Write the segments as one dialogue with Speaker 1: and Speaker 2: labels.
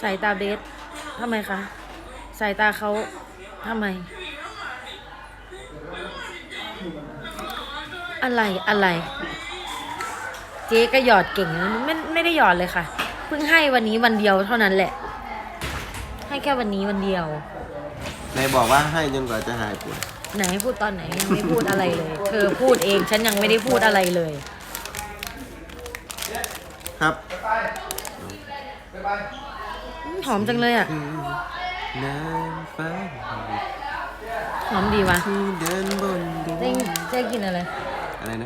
Speaker 1: สายตาเบสทำไมคะสายตาเขาทำไมอะไรเจ๊ก็หยอดเก่งนะไม่ได้หยอดเลยค่ะเพิ่งให้วันนี้วันเดียวเท่านั้นแหละให้แค่วันนี้วันเดียวน
Speaker 2: ายบอกว่าให้จนกว่าจะหายปวด
Speaker 1: ไหนพูดตอนไหนยังไม่พูดอะไรเลยเธอพูดเองฉันยังไม่ได้พูดอะไรเลย
Speaker 2: ครับ
Speaker 1: หอมจังเลยอ่ะหอมดีวะเจ๊กินอะไร
Speaker 2: นะ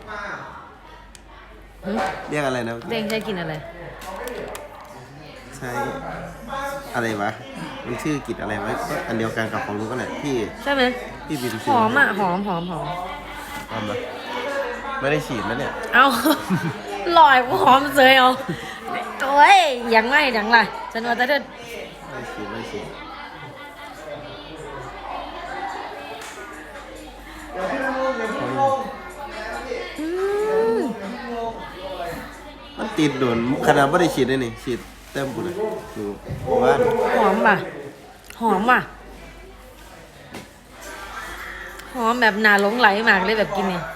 Speaker 2: เรียกอะไรนะ
Speaker 1: เจ๊กินอะไร
Speaker 2: ใช่อะไรวะมันชื่อกิจอะไรวะก็อันเดียวกันกับของลุงก็แหละพี่
Speaker 1: ใช่ไหม
Speaker 2: พี่บิน
Speaker 1: หอมอ่ะหอม
Speaker 2: ปะไม่ได้ฉีดนะเนี่ย
Speaker 1: เอาลอยหอมเสยเอาโอ้ยยังไม่ยังไรฉันว่าจะเดิน
Speaker 2: ไม่ฉีดมันติดโดนขนาดไม่ได้ฉีดเลยนี่ฉีดเต็มปุ่นเลยดูว่า
Speaker 1: หอมป่ะหอมแบบหนาหลงไหลมากเลยแบบกินเนี่ย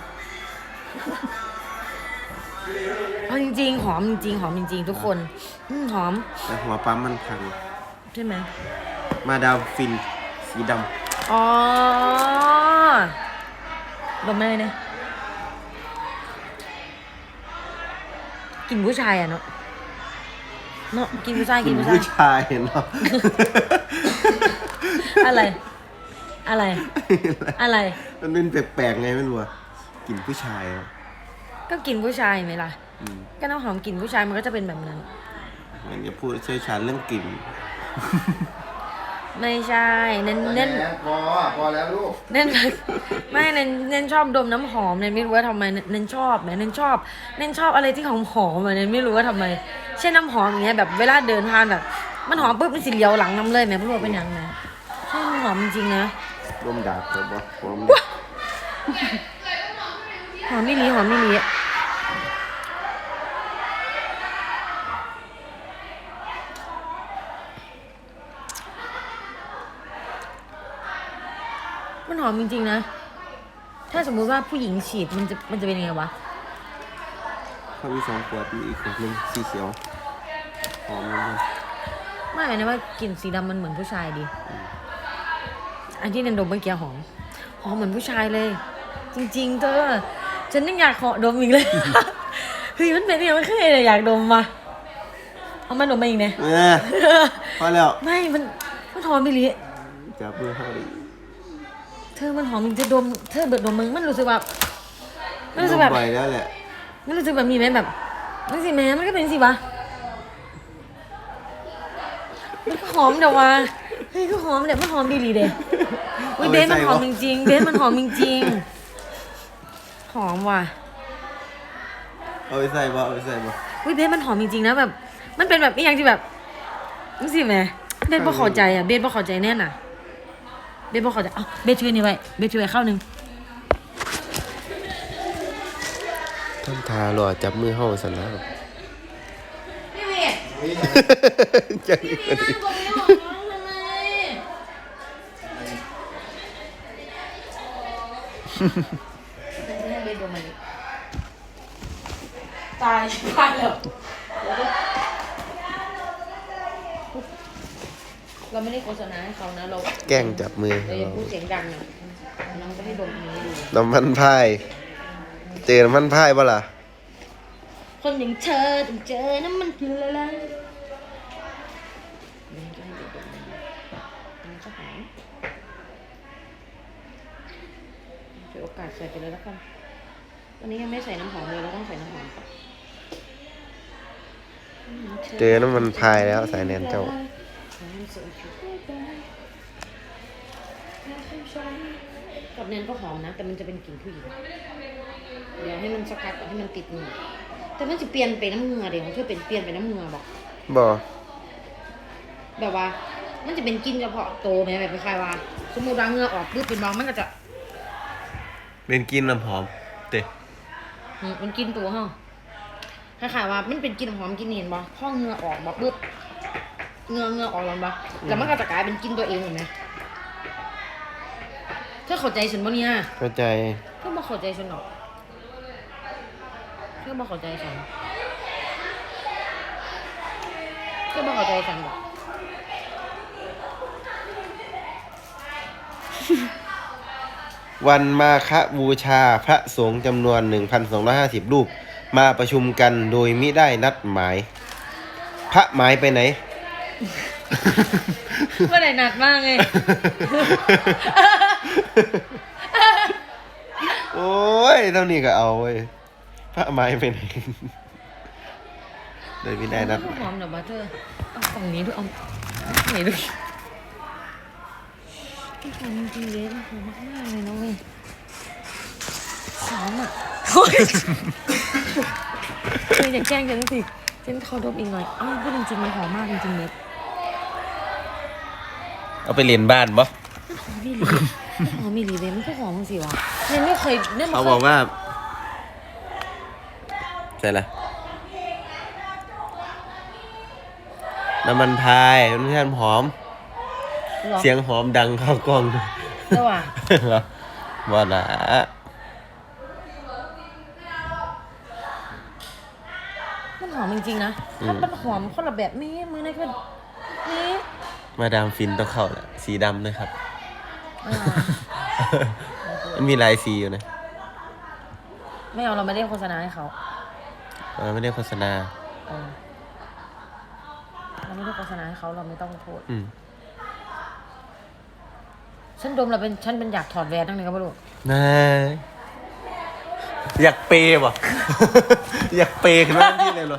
Speaker 1: เอาจริงๆหอมจริงทุกคนหอม
Speaker 2: แต่หัวปั๊มมันพัง
Speaker 1: ใช่ไหม
Speaker 2: มาดามฟินสีดำ
Speaker 1: อ๋อดมได้เลยเนี่ยกินผู้ชายอ่ะเนาะกินผู้ชาย
Speaker 2: เนาะ
Speaker 1: อะไร
Speaker 2: มันเป็นแปลกๆไงไม่รู้อะกินผู้ชาย
Speaker 1: ก็กินผู้ชายไหมล่ะก็น้ำหอมกลิ่นผู้ชายมันก็จะเป็นแบบนั้น
Speaker 2: มันจะพูดเชี่ยวชาญเรื่องกลิ่น
Speaker 1: ไม่ใช่เน้น
Speaker 2: พอแล้วลูก
Speaker 1: เน้นชอบดมน้ำหอมเน้นไม่รู้ว่าทำไมเน้นชอบเน้นชอบอะไรที่หอมเน้นไม่รู้ว่าทำไมเช่นน้ำหอมอย่างเงี้ยแบบเวลาเดินผ่านแบบมันหอมปุ๊บมันสิเลียวหลังน้ำเลยแม่ไม่รู้ว่าเป็นยังไงใช่มันหอมจริงๆนะ
Speaker 2: ดมดาบเลยบ่หอม
Speaker 1: ไม่ลีมันหอมจริงๆนะถ้าสมมุติว่าผู้หญิงฉีดมันจะเป็นยังไงวะ
Speaker 2: เขามี2 ขวดมีอีกขวดนึงสีเขียวหอม
Speaker 1: ไม่นะว่ากลิ่นสีดำมันเหมือนผู้ชายดีอันที่นันดมเมื่อกี้หอมเหมือนผู้ชายเลยจริงๆเธอฉันยังอยากขอดมอีกเลยเฮ้ยมันเป็นยังไงไม่เคยเลยอยากดมมาเอามาดมมาอีกเนี่ย
Speaker 2: พอแล้ว
Speaker 1: ไม่มันหอมไปเลย
Speaker 2: จับมือเข้าดิ
Speaker 1: เธอมันหอมจริงจะดมเธอเบิดดมมึงมันรู้สึกแบบ
Speaker 2: ไปแล้วแหละ
Speaker 1: มันรู้สึกแบบมีไหมแบบมันสิแม่มันก็เป็นสิวะมันก็หอมเดี๋ยววะเฮ้ยก็หอมเดี๋ยวมันหอมดีเด้เบสมันหอมจริงๆหอมว่ะ
Speaker 2: เอาไปใส่บ่
Speaker 1: เบสมันหอมจริงๆนะแบบมันเป็นแบบอีกอย่างที่แบบนี่สิแม่เบสบ่เข้าใจอ่ะเบสบ่เข้าใจแน่น่ะเบสบ่เข้าใจเบสช่วยนี่ไว้เบสช่วยเข้านึง
Speaker 2: ท่านทาหล่อจับมือเฮาซั่นแล้ว
Speaker 1: พี่เวท
Speaker 2: จัง
Speaker 1: ตายแล้วเราไม่ได้โฆษณาให้เขานะเรา
Speaker 2: แกล้งจับมือ
Speaker 1: เราอย่าพูดเสียงดังนะน้องจะให้ดมนี้ดู
Speaker 2: น้ำมันพายเจอน้ำมันพายป่ะล่ะ
Speaker 1: คนอย่างเธอต้องเจอน้ำมันคืออะไรถือโอกาสใส่ไปเลยแล้วกันวันนี้ยังไม่ใส่น้ำหอมเลยเราต้องใส่น้ำหอมก่อน
Speaker 2: เจอน้ำมันพายแล้วสายแนนเจ้า
Speaker 1: กับแนนก็หอมนะแต่มันจะเป็นกลิ่นผู้หญิงเดี๋ยวให้มันสกัดให้มันติดมือแต่มันจะเปลี่ยนไปน้ำเงือเดี๋ยวของเธอเป็นเปลี่ยนไปน้ำเงือบอกแบบว่ามันจะเป็นกลิ่นเฉพาะโตไหมแบบคล้ายๆว่าสมมติว่าเงือออกปุ๊บเป็นบางมันก็จะ
Speaker 2: เป็นกลิ่นน้ำหอมเตะ
Speaker 1: มันกลิ่นตัวเหรอคล้ายๆว่ามันเป็นกลิ่นหอมกลิ่นเห็นบ่พอเงือออกบ่ปุ๊บเงือออกแล้วปะแล้วมันก็จะกลายเป็นกินตัวเองเหมือนไหมเธอเข้าใจฉันปะเนี่ย
Speaker 2: เข้าใจ
Speaker 1: เธอมาเข้าใจฉันหรอกเธอมาเข้าใจฉันเธอมาเข้าใจฉันหรอก
Speaker 2: วันมาฆบูชาพระสงฆ์จำนวน 1,250 รูปมาประชุมกันโดยมิได้นัดหมาย พระหมายไปไหน
Speaker 1: เมื่อไหร่หนักมากไง
Speaker 2: โอ้ยเท่านี้ก็เอาเว้ยพระหมายไปไหน โดยมิได้นัดห
Speaker 1: ห
Speaker 2: มาย
Speaker 1: อมเดี๋ยวมาเธอเอาฝั่งนี้ด้วยเอาไหนด้วยหอมจริงๆเลยหอมมากๆเลยนะเว้ยหอมอ่ะเฮ้ยเธออย่าแกล้งฉันสิฉันขอดมอีกหน่อยอ้าวพูดจริงๆมันหอมมากจริงๆเลย
Speaker 2: เอาไปเรียนบ้านปะ
Speaker 1: หอมมีหลีหอมมีหลีเลยมันก็หอมสิวะเนี่ยไม่เคยเนี่ย
Speaker 2: เขาบอกว่าใช่ละน้ำมันพายมันแค่หอม เสียงหอมดังเข้ากล้อง
Speaker 1: เจ้าว่ะ
Speaker 2: เหรอว่าละ
Speaker 1: มันหอมจริงๆนะมันหอมคนละแบบนี้มือนี่คือนี่
Speaker 2: มาดามฟินต้องเข้าแหละสีดำนะครับ
Speaker 1: อ่า
Speaker 2: มันมีหลายสีอยู่นะ
Speaker 1: ไม่เอาเราไม่ได้โฆษณาให้เขา
Speaker 2: เราไม่ได้โฆษณา
Speaker 1: เออเราไม่ได้โฆษณาให้เขาเราไม่ต้องโทษ ฉันดมเราเป็นฉันเป็นอยากถอดแหวนตั้งแต่ก็ไม่รู้
Speaker 2: น่าอยากเปย์ว่ะ อยากเปย์ขนาดนี้เลยเหรอ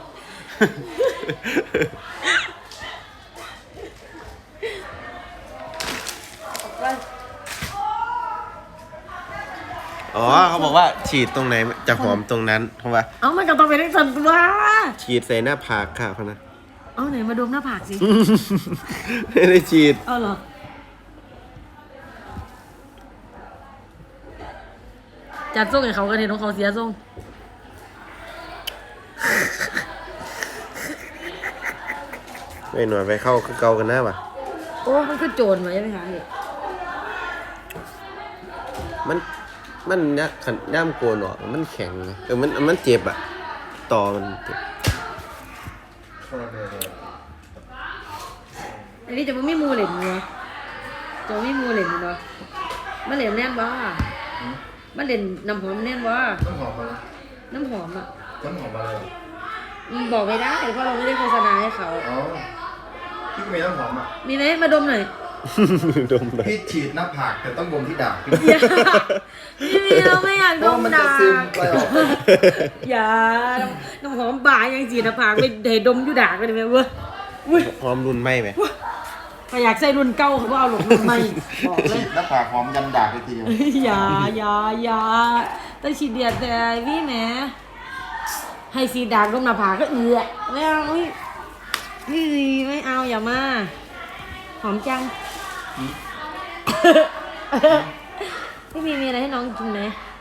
Speaker 2: อ๋อเขาบอกว่าฉีดตรงไหนจะหอมตรงนั้นเพราะว่า
Speaker 1: เอามันก็ต้องเป็นทั้งสันตัว
Speaker 2: ฉีดใส่หน้าผากค่ะพะนะ
Speaker 1: เอาไหนมาดมหน้าผากสิ
Speaker 2: ไม่ได้ฉีด
Speaker 1: เอาเหรอจัดส่งให้เขากันเห็นของเขาเสียส่ง
Speaker 2: ไม่หน่อยไปเข้าคือเกากันหน้าป่ะ
Speaker 1: โอ้มันคือโจรมาใช่ไหมคะเนี่ย
Speaker 2: มันเนี่ยขันย่ามโกนออกมันแข็งไงมันเจ็บอ่ะ ต่อมันเจ็บ
Speaker 1: อันนี้จะไม่มูเหล่นเนาะจะไม่มูเหล่นเนาะมันเหล่นแน่นวะมันเหล่นน้ำหอมแน่นวะ
Speaker 3: ต้นหอมมาแล้ว
Speaker 1: น้ำหอมอ่ะ
Speaker 3: ต้นหอมมาเลย
Speaker 1: บอกไม่ได้เพราะเราไม่ได้โฆษณาให้เขา
Speaker 3: อ๋อพี่ก็มีต้นหอมอ่ะ
Speaker 1: มีไหมมาดมหน่อย
Speaker 2: ดมเลย
Speaker 3: พี่ฉีดหน้าผากแต่ต้องดมที่ดาบพี่
Speaker 1: อย่าพี่เราไม่อยาก
Speaker 3: เพ
Speaker 1: ด
Speaker 3: ราะ
Speaker 1: ม
Speaker 3: มัน
Speaker 1: ดา
Speaker 3: จะซึมไปออก
Speaker 1: อย่าน้ำหอมบ่ายยังจีนะผากไปเดดมอยู่ด่ากันไหมเว้ยอุ้ย
Speaker 2: หอมรุ่นไหมไหม
Speaker 1: ถ้าอยากใส่รุ่นเก่าเขาบอกเอาหลงรุ่นใหม่บอกเล
Speaker 3: ฉี
Speaker 1: ย
Speaker 3: ดหน้าผากหอมยันดาบไปทีเดียว
Speaker 1: อย่าแต่ฉีดเดียดแต่พี่แหมให้สีดากดมหน้าผากก็เอือไม่เอาไม่เอาอย่ามาหอมจัง พี่มีอะไรให้น้องกินไหม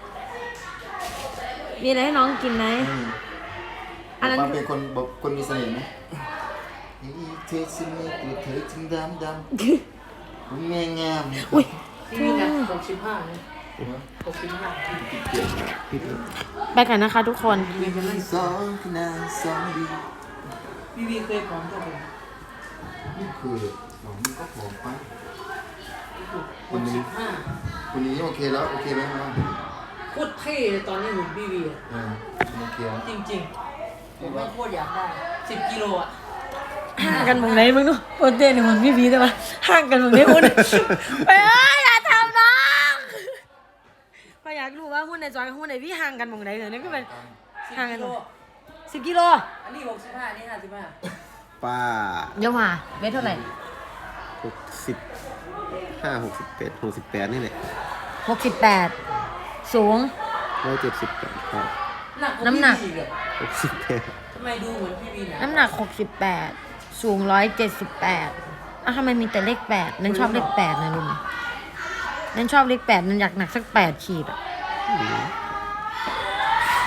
Speaker 1: มีอะไรให้น้องกินไหม อันนั้น
Speaker 3: ความเป็นคนบอกคนมีเสน่ห์ไหมเธอสนิทตัวเธอจึงดำคุณแม่งาม
Speaker 1: อุ้ย
Speaker 4: พี่นะ65นะ65
Speaker 1: ไปกันนะคะทุกคน
Speaker 3: สองขนาดสองดี
Speaker 4: พี่วีเคยพร้อมเท่าไหร่
Speaker 3: นี่คือหอมก็หอมไปคนนี้
Speaker 4: 65
Speaker 3: คนนี้โอเคแล้วโอเคไหมครับ
Speaker 4: โคตรเท่เลยตอนนี้หุ่นพี่วีอะ
Speaker 3: โอเคแล้ว
Speaker 4: จริงๆผมไม่โคตรอยากได้10 กิโลอ่ะ
Speaker 1: ห่างกันหมองไหนมึงเนาะโปรเตนเนี่ยมันพี่พีแต่ว่าห่างกันหมองไหนหุ้นไปอย่าทำน้องก็อยากรู้ว่าหุ้นในจอยกับหุ้นในพี่ห่างกันหมองไหนเหรอนี่ก็เป็นห่างกัน
Speaker 4: 10 กิโล
Speaker 1: 10 กิโล
Speaker 4: อันนี้65อันนี้55
Speaker 2: ป้า
Speaker 1: เดี๋ยวมาเวทเท่าไหร่
Speaker 2: 65 68 นี่แหละ
Speaker 1: 68สูง
Speaker 2: 178ครับ
Speaker 4: หนักกว่า
Speaker 1: น้ำหนัก
Speaker 4: พี่วีอีกอะ
Speaker 2: 68
Speaker 4: ทำไมดูเหมือนพี่วีนะ
Speaker 1: น้ำหนัก68สูง178อ้าวทำไมมีแต่เลข8นั่นชอบเลข8นะลุงนั่นชอบเลข8นั่นอยากหนักสัก8ขีดอะ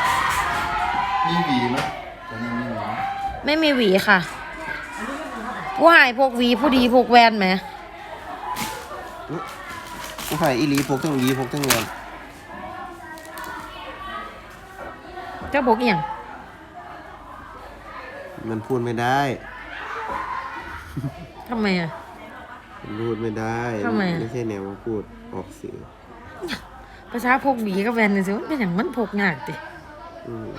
Speaker 3: มีหวีไหมตอนนี้มีหวีไหม
Speaker 1: ไม่มีหวีค่ะผู้หายพกหวีผู้ดีพกแวนไหม
Speaker 2: ผู้ชายอีหลีพกทั้งหวีพกทั้งเงิน
Speaker 1: เจ้าพกอหย่าง
Speaker 2: มันพูดไม่ได้
Speaker 1: ทำไมอ่ะ
Speaker 2: มันพูดไม่ได้
Speaker 1: ทำไมอะ
Speaker 2: ไม่ใช่แนวพูดออกสื่อ
Speaker 1: ภาษาพกหวีกับแวนนี่สิมันเป็นอย่างมันพกยากติ
Speaker 2: อืม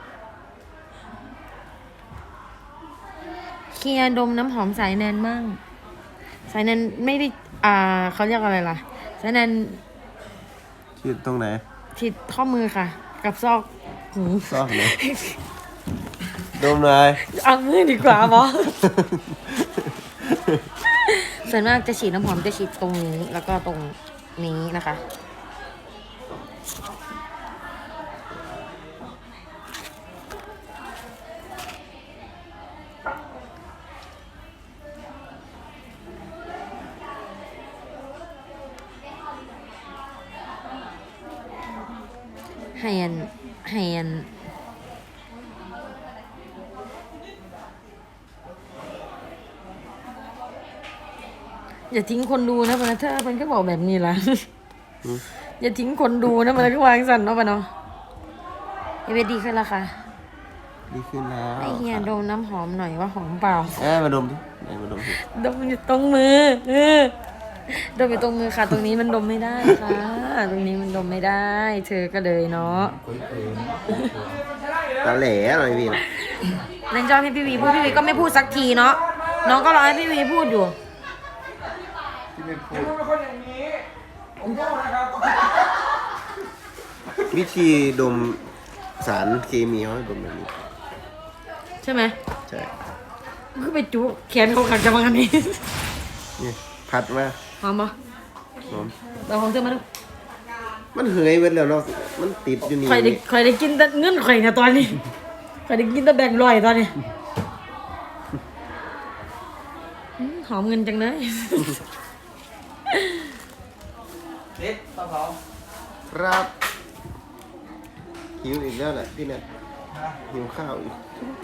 Speaker 1: เคลียร์ดมน้ำหอมสายแนนมั่งสายแนนไม่ได้เขาเรียกอะไรล่ะสายแนน
Speaker 2: ชื่อตรงไหน
Speaker 1: ที่ข้อมือค่ะ กับซอกหู
Speaker 2: ซอกไหน ดมเลย
Speaker 1: เอามือดีกว่าบอ ส่วนมากจะฉีดน้ำหอมจะฉีดตรงนี้แล้วก็ตรงนี้นะคะแฮนอย่าทิ้งคนดูนะมันเธอมันก็บอกแบบนี้ล่ะ อย่าทิ้งคนดูนะมันก็วางสั่นเนาะปะเนาะเอเวดีขึ้นแล้วค่ะ
Speaker 2: ดีขึ้นแล้ว
Speaker 1: ให้เฮียดมน้ำหอมหน่อยว่าหอมเปล่า
Speaker 2: มาดมดิไหนมาดมดิ
Speaker 1: ดมอยู่ตรงมือดมอยู่ตรงมือค่ะ ตรงนี้มันดมไม่ได้ค่ะ ตรงนี้มันดมไม่ได้ เธอก็เลยเนาะ
Speaker 2: ตาแหล่หน่อยพี่
Speaker 1: เล่นจอให้พี่วีพูดพี่วีก็ไม่พูดสักทีเนาะ น้องก็รอให้พี่วีพูดอยู่
Speaker 3: ที่ไม่พูด
Speaker 2: วิธีดมสารเคมีเขาให้ดมแบบนี้
Speaker 1: ใช่ไหม
Speaker 2: ใช่
Speaker 1: มันก็ไปจุแขนเขาขัดจะมากันนี้
Speaker 2: นี่พัดมา
Speaker 1: หอมปะ
Speaker 2: หอม
Speaker 1: เราของเธอมาดู
Speaker 2: มันเหยไปแล้วเนาะมันติดอยู่นี่
Speaker 1: ข่อยได้กินแต่เงินข่อยนะตอนนี้ข่อยได้กินแต่แบ่งค์ร้อยตอนนี้หอมเงินจังเลย
Speaker 4: เด็ดปลาเผา
Speaker 2: ครับหิวอีกแล้วแหละพี่เนี่ยหิวข้าวอีก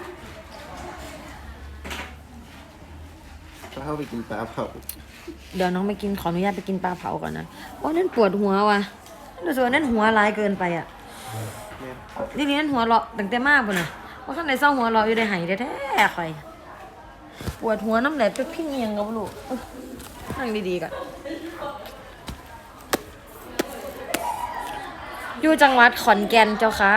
Speaker 2: ข้าวไปกินปลาเผา
Speaker 1: เดี๋ยวน้องไปกินขออนุญาตไปกินปลาเผาก่อนนะว่านั่นปวดหัวว่ะรู้สึกว่านั่นหัวร้ายเกินไปอ่ะ
Speaker 2: เนี่ย
Speaker 1: นี่นั่นหัวเราะตั้งแต่มากปุ่นน่ะว่าข้างในเศร้าหัวเราะอยู่ในไหายแท้ๆข่อยปวดหัวน้ำไหลไปพิ้งเงียงกับลูกนั่งดีๆก่อนอยู่จังหวัดขอนแก่นเจ้าค่ะ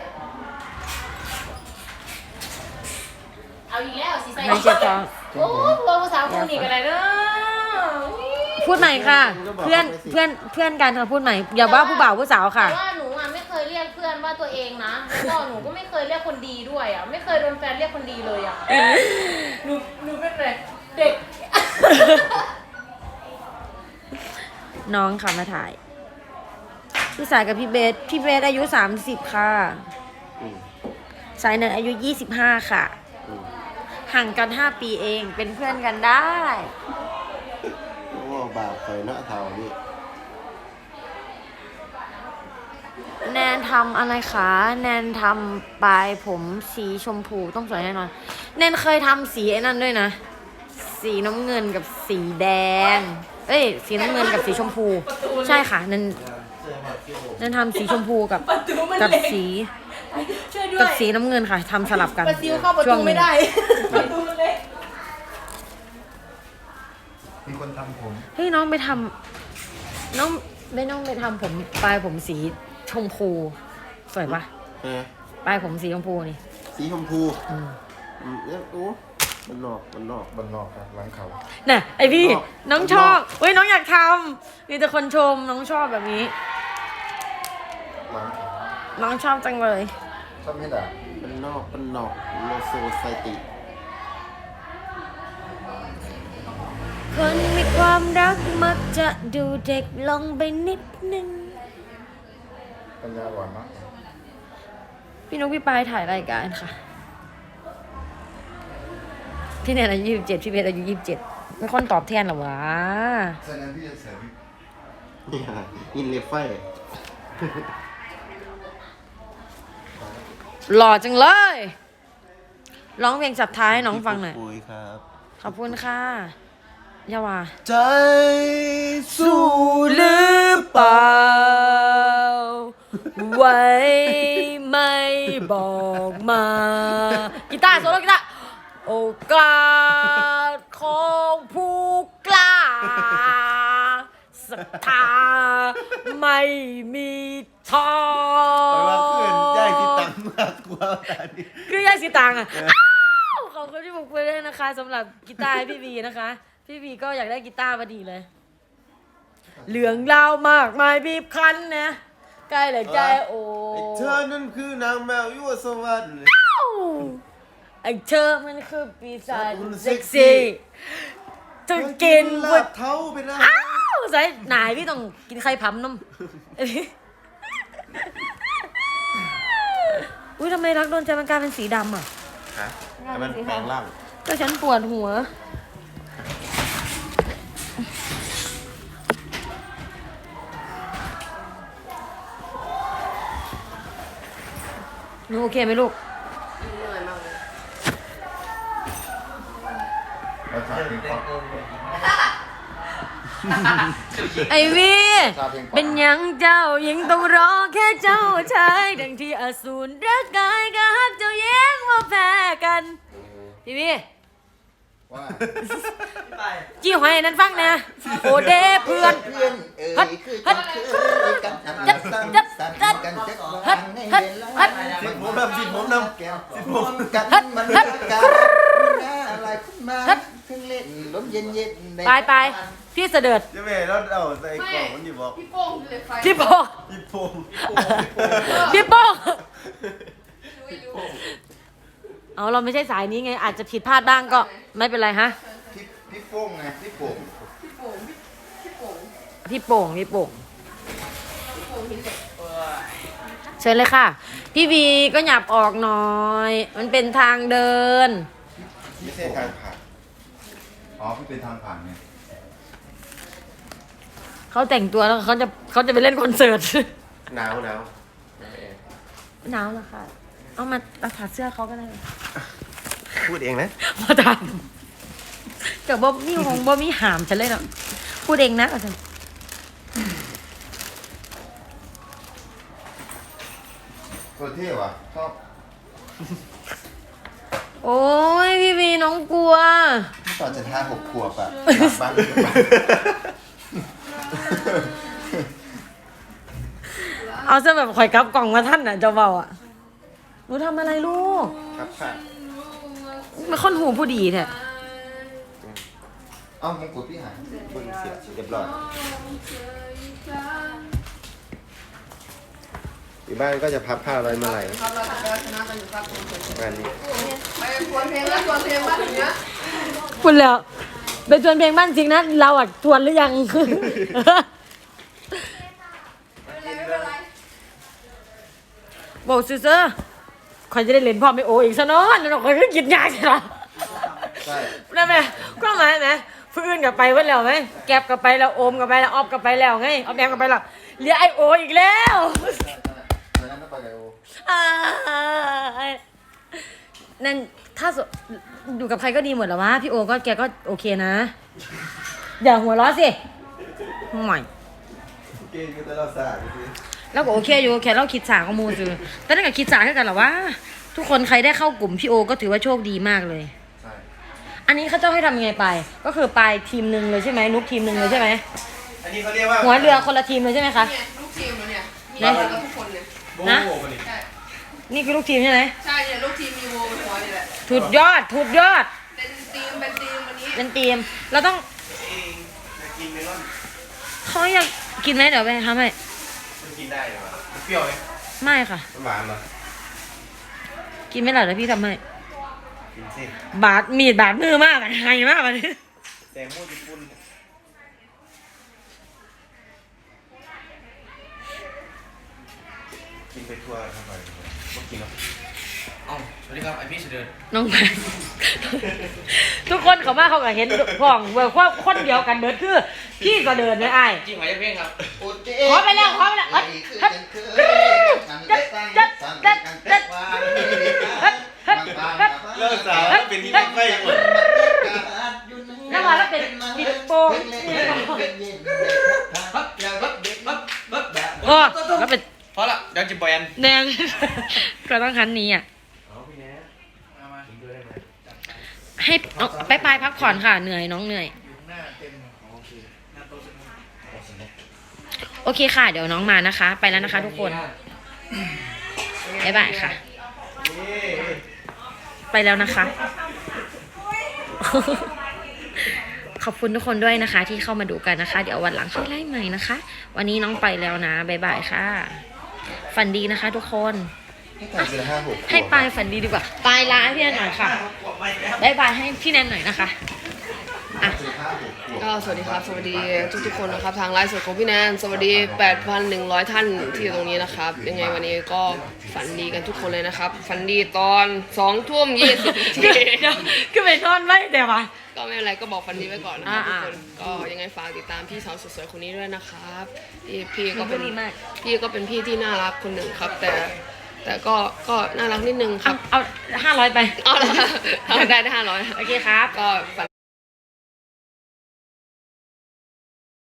Speaker 5: เอาอีกแล้วสิใส่
Speaker 1: หายเจ็บท้อง
Speaker 5: โอ้ยพวกภาษาพูดอีกอะไรเด้อ
Speaker 1: พูดใหม่ค่ะ เพื่อนกันค่ะพูดใหม่ อย่าว่าผู้บ่าวผู้สาวค่ะ
Speaker 5: แต่ว่าหนูอ่ะไม่เคยเรียกเพื่อนว่าตัวเองนะแล้วก็หนูก็ไม่เคยเรียกคนดีด้วยอ่ะไม่เคยโดนแฟนเรียกคนดีเลยอ่ะหนูเป็นอะไรเด็ก
Speaker 1: น้องค่ะมาถ่าย พี่สายกับพี่เบสอายุ30ค่ะ
Speaker 2: อืม
Speaker 1: สายเนินอายุ25ค่ะ
Speaker 2: อืม
Speaker 1: ห่างกัน5 ปีเองเป็นเพื่อนกันได้
Speaker 2: โอ้บาปไปเนาะเท่านี้
Speaker 1: แนนทำอะไรคะแนนทำปลายผมสีชมพูต้องสวยแน่นอนแนนเคยทำสีไอ้นั่นด้วยนะ สีน้ำเงินกับสีแดงสีน้ำเงินกับสีชมพู ใช่ค่ะแนนทำสีชมพูกับสี
Speaker 5: ช่วยด้ว
Speaker 1: กับ
Speaker 5: ย
Speaker 1: สีน้ำเงินค่ะทำสลับกัน
Speaker 5: ประซิวเข้าประ
Speaker 1: ช่ว
Speaker 5: ตู
Speaker 1: งหนึ่ง
Speaker 5: ไม่ได้ประตูมันเล็ก
Speaker 3: มีคนทำผม
Speaker 1: เฮ้ยน้องไปทำน้องไปทำผมปลายผมสีชมพูสวยปะ
Speaker 2: เออ
Speaker 1: ปลายผมสีชมพูนี่
Speaker 2: สีชมพู
Speaker 1: อืม
Speaker 2: เนี่ยโอ้มันนอก
Speaker 3: บนนอกครับหลังเขา
Speaker 1: น่ะไอพี่
Speaker 2: นอก
Speaker 1: น้องชอบเฮ้ยน้องอยากทำมีแต่คนชมน้องชอบแบบนี้
Speaker 3: หลังเขา
Speaker 1: น้องชอบจังเลย
Speaker 3: ชอบไม่ด่า
Speaker 2: มันนอกโลโซไซติ
Speaker 1: คนมีความรักมักจะดูเด็กลงไปนิดนึง
Speaker 3: ปัญญาอ่อนเนาะ
Speaker 1: พี่นกพี่ปายถ่ายรายการค่ะ พี่แนนอายุ27พี่เบสอายุ27ไม่ค่อยตอบแทนหรอวะ
Speaker 3: ฉะนั้นพี่จะใส่วิก
Speaker 2: เนี่ยอินเลฟไฟ
Speaker 1: หล่อจังเลยร้องเพลงสับท้ายให้น้องฟังหน่อย
Speaker 2: ปุยครับ
Speaker 1: ทขอบคุณค่ะอย่าว่า
Speaker 2: ใจสู้หรือ
Speaker 1: หรือเปล่าไว้ไม่บอกมากีตาร์โซโล่กีตาร์โอกาสของผู้กล้าศรัทธาไม่มีท้อ
Speaker 2: แต่ว่าเพื่อนย่ายที่ตังมากกว่าตอนนี้
Speaker 1: คือย่าสิตังอ่ะอ้าวขอบคุณที่บอกไปด้วยนะคะสำหรับกีตาร์ให้พี่วีนะคะ พี่วีก็อยากได้กีตาร์พอดีเลยเหลืองเล่ามากมายบีบคั้นนะใกล้เลยใจโอ้
Speaker 2: ไอ้เธอนั่นคือนางแมวยั่วสวรรค์
Speaker 1: ไอ้เธอมันคือปีศาจเซ็กซี่จะกิน
Speaker 2: ลา
Speaker 1: วุ้
Speaker 2: บเท้าไปนะ
Speaker 1: อ้าวใส่ไหนพี่ต้องกินไข่พัมน้ำอุ้ยทำไมรักโดนใจมันกลายเป็นสีดำอ่ะ
Speaker 2: ฮะแต่มันแปลงร่าง
Speaker 1: ก็ฉันปวดหัวหนูโอเคไหมลูก
Speaker 3: เราชอบเพลงเพราะ
Speaker 1: ไอวี เป็นหยังเจ้ายังต้องรอแค่เจ้าชายดังที่อสูรรักกายกับฮักเจ้าแย้งว่าแพ้กันพี่วี
Speaker 3: ว่า
Speaker 1: จี้หอยอันนั้นฟังนะโอเดเพื่อน
Speaker 3: เพื่อนเอ่ยคือกันเคยกันทำกันสั่นสั่นกันจะวางในเวลา
Speaker 2: สิผมนำสิผมนำ
Speaker 3: แก้วกันมันรักกันน่าอะไรขึ้นมาถึงเล่นลมเย็นเย็น
Speaker 1: ไปไปพี่เสด็จ
Speaker 2: เจะแม่แล้วเอาใส่กล่องมันอยู่บอก
Speaker 5: พี่โป้งเลยไฟ
Speaker 1: พี่โป้
Speaker 2: พี่พง
Speaker 1: พี่โป้เอาเราไม่ใช่สายนี้ไง อาจจะผิดพลาดบ้างก็ไม่เป็นไรฮะ
Speaker 3: พี่โป้งไงพี่โป่ง
Speaker 1: พี่โป่งพี่โป่งเชิญเลยค่ะ พี่วีก็หยับออกหน่อย มันเป็นทางเดิน
Speaker 2: ไม่ใช่ทางผ่าน
Speaker 3: อ๋อพี่เป็นทางผ่านไง
Speaker 1: เขาแต่งตัวแล้วเขาจะไปเล่นคอนเสิร์ต
Speaker 2: หนาว
Speaker 1: หนาวเหรอคะเอามาเอาถอดเสื้อเขาก็ได้
Speaker 2: พูดเองนะ
Speaker 1: มาทำกับบ่มีหงบ่มีหามฉันเลยเนาะพูดเองนะอาจารย์
Speaker 3: ตัวเท่ว่ะชอบ
Speaker 1: โอ้ยพี่วีน้องกลัว
Speaker 3: ตอนจะท่า6 ขวบอะกลับบ้าน
Speaker 1: เอาซะแบบข่อยกลับกล่องมาท่านน่ะเจ้าเบาอ่ะหนูทำอะไรลูก
Speaker 2: ครับค่ะ
Speaker 1: มาค้นหูผู้ดีแท้
Speaker 3: เอ้ามงกุฎพี่หาย
Speaker 2: เพิ่งเสียเรียบร้อยอยู่บ้านก็จะพับผ้าร้อยมาลัย
Speaker 4: ครับเราจะไปชนะกันอยู่ครับผม
Speaker 2: งานนี้
Speaker 4: ไปทวนเพลงแล้วทวนเพลงบ้านอย่างเงี้ย
Speaker 1: คุณแล้วเป็นทวนเพลงบ้านจริงนะเราอ่ะทวนหรือยัง
Speaker 4: ไม่เป็นไร
Speaker 1: บอกซื่อๆข่อยจะได้เล่นพ่อไม่โออีกซะเนาะแล้วเราข่อยก็กินยาใช่หรอ
Speaker 3: ใช่
Speaker 1: ได้ไหมก็หมายไหมฟื้นกลับไปเว้นแล้วไหมแก็บกลับไปแล้วโอมกลับไปแล้วออฟกลับไปแล้วไงออฟแอมกลับไปแล้วเหลือไอโออีกแล้ว
Speaker 3: ตอนนั้นต้องไปกับโอ
Speaker 1: นั่นถ้าอยู่กับใครก็ดีหมดแหรอวะพี่โอก็แกก็โอเคนะ อย่าหัวเราะสิใหม่
Speaker 2: เก่งก็จะเราสาดดิ
Speaker 1: แล้วก็โอเคอยู่แค่เราคิดสาของมูจือแต่นั่นกับคิดสาคือกันเหรอวะทุกคนใครได้เข้ากลุ่มพี่โอก็ถือว่าโชคดีมากเลย
Speaker 3: ใช่
Speaker 1: อันนี้เขาเจ้าให้ทำยังไงไป ก็คือไปทีมหนึ่งเลยใช่ไหมนุกทีมหนึ่งเลยใช่ไหม
Speaker 2: อันนี้เขาเรียกว่า
Speaker 1: หัวเรือคนละทีมเลยใช่ไหมคะ
Speaker 4: เนี่ยลูกทีมเราเนี่ยมี
Speaker 1: เนี่ย
Speaker 4: กันทุกคนเลย
Speaker 1: นะ
Speaker 2: โบ้นี่
Speaker 4: ใช่
Speaker 1: นี่คือลูกทีมใช่ไหม
Speaker 4: ใช่เนี่ยลูกทีมมีโวเป็นหัวนี่แหละ
Speaker 1: ถูดยอดถูดยอด
Speaker 4: เป็นทีมวันนี้
Speaker 1: เป็นทีมเราต้อง
Speaker 2: เองจะกินเมลอน
Speaker 1: เขาอยากกินไหมเดี๋ยวไปทำให้
Speaker 2: มันกินได้เหรอวะมันเปรี้ยวไหม
Speaker 1: ไม่ค่ะ
Speaker 2: มันหวานเหรอ
Speaker 1: กินไม่หล่ะเดี๋ยวพี่ทำให้
Speaker 2: กินสิ
Speaker 1: บาดมีดบาดมือมากอะไงมากเลย
Speaker 2: แตงโมญี่ปุ่นกินไปทั่วทั้งไปไม่กินหรอก
Speaker 6: เอ้าสวัสดีครับไอพี่เสด็จ
Speaker 1: น้องแพนทุกคนเขามาเขาก็เห็นพ่องเบิกว่าคนเดียวกันเดินคือพี่ก็เดินเลยไอ้าย
Speaker 6: จริงไหมเพ่งครับ
Speaker 1: ขอไปแล้วขอไปแล้ว
Speaker 2: เลิกสาวเป็นที่ไม่ค่อยหมด
Speaker 1: โอ้แล้วเป็น
Speaker 6: พอละเดี๋ยวจะปล่อยอัน
Speaker 1: แนน ก็ต้องคันนี้อ่ะให้เอาไปพักผ่อนค่ะเหนื่อยน้องเหนื่อยโอเคค่ะ เดี๋ยวน้องมานะคะ ไปแล้วนะคะทุกคนบ๊ายบายค่ะ ไปแล้วนะคะ ขอบคุณทุกคนด้วยนะคะ ที่เข้ามาดูกันนะคะ เดี๋ยววันหลังค่อยไล่ใหม่นะคะ วันนี้น้องไปแล้วนะบ๊ายบายค่ะ ฝันดีนะคะทุกคน
Speaker 3: ให้ต่างเป็น5-6 ขวบ
Speaker 1: ให้ปายฝันดีดีกว่าปายลาให้พี่แนนหน่อยค่ะบ๊ายบายให้พี่แนนหน่อยนะคะอ่ะ
Speaker 7: ก็สวัสดีครับ สวัสดีทุกๆคนนะครับ ทางไลฟ์สดของพี่แนนสวัสดี 8,100 ท่านที่อยู่ตรงนี้นะครับ ยังไงวันนี้ก็ฝันดีกันทุกคนเลยนะครับ ฝันดีตอน2 ทุ่ม 20 นาที
Speaker 1: ก็ไปนอนไว้แต่ว่า
Speaker 7: ก็ไม่เป็นไรก็บอกฝันดีไว้ก่อนนะครับทุก
Speaker 1: อ่า
Speaker 7: คนก็ยังไงฝากติดตามพี่สาวสวยๆคนนี้ด้วยนะครับพี่ก็เป็น
Speaker 1: ดีมาก
Speaker 7: พี่ก็เป็นพี่ที่น่ารักคนหนึ่งครับ แต่ก็น่ารักนิดนึงค
Speaker 1: เอา
Speaker 7: รับ
Speaker 1: เอา500ไป
Speaker 7: เอาละได้500
Speaker 1: โอเคครับ
Speaker 7: ก็ฝัน